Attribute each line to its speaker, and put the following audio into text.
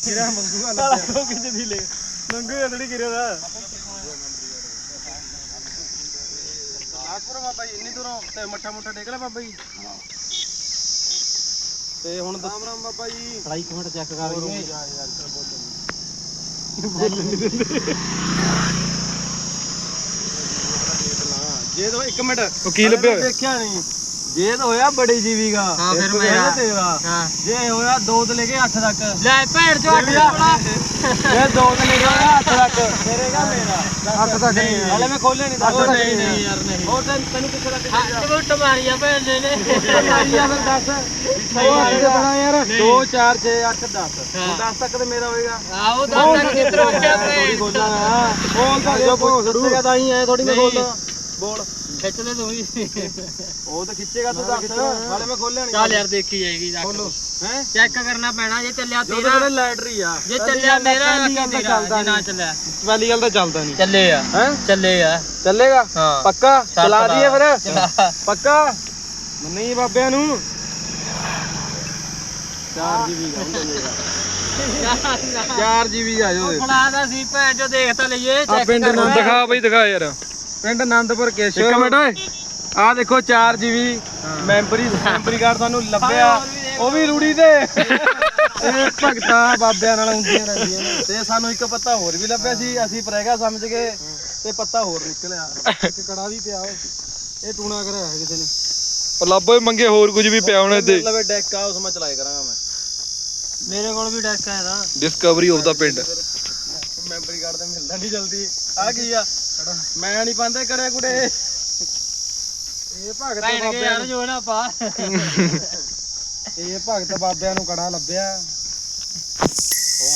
Speaker 1: ਕਿਰਿਆ ਮੰਗੂਗਾ ਲੱਭਿਆ ਕਿਤੇ ਦੀ ਲੈ ਮੰਗੂਗਾ ਥੋੜੀ ਕਿਰਿਆ ਦਾ ਆਕਪੁਰ ਬਾਬਾ ਜੀ ਇੰਨੀ ਦੂਰੋਂ ਤੇ ਮੱਠਾ ਮੁੱਠਾ ਟੇਕ ਲੈ ਬਾਬਾ ਜੀ ਤੇ ਹੁਣ ਰਾਮ ਰਾਮ ਬਾਬਾ ਜੀ ਫੜਾਈ ਇੱਕ ਮਿੰਟ ਚੈੱਕ ਕਰ ਲਈਏ ਬੋਲ ਨਹੀਂ ਦਿੰਦੇ ਜੇ ਤਾਂ 1 ਮਿੰਟ ਉਹ ਕੀ ਲੱਭਿਆ ਦੇਖਿਆ ਨਹੀਂ ਜੇ ਤਾਂ ਹੋਇਆ ਬੜੀ ਜੀਵੀ ਦਾ ਹਾਂ ਫਿਰ ਮੇਰਾ ਤੇਰਾ ਹਾਂ ਜੇ ਹੋਇਆ 2 ਤੋਂ ਲੈ ਕੇ 8 ਤੱਕ ਲੈ ਭੈਣ ਚੋ 8 ਦਾ ਇਹ 2 ਤੋਂ ਲੈ ਕੇ 8 ਤੱਕ ਤੇਰੇਗਾ ਮੇਰਾ 8 ਤੱਕ ਨਹੀਂ ਹਲੇ ਮੈਂ ਖੋਲਿਆ ਨਹੀਂ ਦੱਸ ਨਹੀਂ ਨਹੀਂ ਯਾਰ ਨਹੀਂ ਉਹ ਤੈਨੂੰ ਕਿੱਥੇ ਲੱਗ ਗਿਆ ਟੁੱਟ ਮਾਰੀਆ ਭੈਣ ਨੇ ਮਾਰੀਆ ਫਿਰ ਦੱਸ ਸਹੀ ਬਣਾ ਯਾਰ 2 4 6 8 10 10 ਤੱਕ ਤੇ ਮੇਰਾ ਹੋਏਗਾ ਆਓ 10 ਤੱਕ ਕਿੱਧਰ ਹੋ ਗਿਆ ਭੈਣ ਖੋਲਾਂਗਾ ਬੋਲ ਤਾਂ ਜੋ ਦੱਸੇਗਾ ਤਾਂ ਹੀ ਐ ਥੋੜੀ ਮੈਂ ਖੋਲਦਾ ਬੋਲ ਖਿੱਚ ਲੈ ਤੂੰ ਵੀ ਉਹ ਤਾਂ ਖਿੱਚੇਗਾ ਤੂੰ ਦੱਸ ਹਾਲੇ ਮੈਂ ਖੋਲਿਆ ਨਹੀਂ ਚੱਲ ਯਾਰ ਦੇਖੀ ਜਾਏਗੀ ਖੋਲੋ ਹੈ ਚੈੱਕ ਕਰਨਾ ਪੈਣਾ ਜੇ ਚੱਲਿਆ ਤੇਰਾ ਲੈਟਰੀ ਆ ਜੇ ਚੱਲਿਆ ਮੇਰਾ ਕਿ ਤੇਰਾ ਨਾ ਚੱਲਿਆ ਪਹਿਲੀ ਗੱਲ ਤਾਂ ਚੱਲਦਾ ਨਹੀਂ ਚੱਲੇ ਆ ਹੈ ਚੱਲੇ ਆ ਚੱਲੇਗਾ ਪੱਕਾ ਚਲਾ ਦਈਏ ਫਿਰ ਪੱਕਾ ਨਹੀਂ ਬਾਬਿਆਂ ਨੂੰ 4 GB ਦਾ 4 GB ਆ ਜੋ ਫੜਾਦਾ ਸੀ ਭੈਣ ਚੋ ਦੇਖ ਤਾਂ ਲਈਏ ਚੈੱਕ ਪਿੰਡ ਨੰਦ ਦਿਖਾ ਬਈ ਦਿਖਾ ਯਾਰ ਪਿੰਡ ਆਨੰਦਪੁਰ ਕੇਸ਼ਵ ਇੱਕ ਮਿੰਟ ਓਏ ਆ ਦੇਖੋ 4 GB ਮੈਂਬਰੀ ਕਾਰਡ ਤੁਹਾਨੂੰ ਲੱਭਿਆ ਉਹ ਵੀ ਰੂੜੀ ਤੇ ਇਹ ਭਗਤਾਂ ਬਾਬਿਆਂ ਨਾਲ ਹੁੰਦੀਆਂ ਰਹਿੰਦੀਆਂ ਨੇ ਤੇ ਸਾਨੂੰ ਇੱਕ ਪੱਤਾ ਹੋਰ ਵੀ ਲੱਭਿਆ ਸੀ ਅਸੀਂ ਪ੍ਰੈਗਾ ਸਮਝ ਕੇ ਤੇ ਪੱਤਾ ਹੋਰ ਨਿਕਲਿਆ ਇੱਕ ਕੜਾ ਵੀ ਪਿਆ ਓਏ ਇਹ ਟੂਣਾ ਕਰਿਆ ਕਿਸੇ ਨੇ
Speaker 2: ਪਰ ਲੱਭੋ ਮੰਗੇ ਹੋਰ ਕੁਝ ਵੀ ਪਿਆ ਹੋਣੇ ਤੇ
Speaker 1: ਲਵੇ ਡੈਕ ਆ ਉਸ ਮੈਂ ਚਲਾਏ ਕਰਾਂਗਾ ਮੈਂ ਮੇਰੇ ਕੋਲ ਵੀ ਡੈਕ ਆ ਇਹਦਾ
Speaker 2: ਡਿਸਕਵਰੀ ਆਫ ਦਾ ਪਿੰਡ
Speaker 1: ਮੈਂਬਰੀ ਕਾਰਡ ਤੇ ਮਿਲਦਾ ਨਹੀਂ ਜਲਦੀ ਆ ਕੀ ਆ ਮੈਂ ਨਹੀਂ ਪਾਉਂਦੇ ਕੜੇ ਕੁੜੇ ਇਹ ਭਗਤ ਬਾਬਿਆਂ ਨੂੰ ਜੋ ਨਾ ਪਾ ਇਹ ਭਗਤ ਬਾਬਿਆਂ ਨੂੰ ਕੜਾ ਲੱਭਿਆ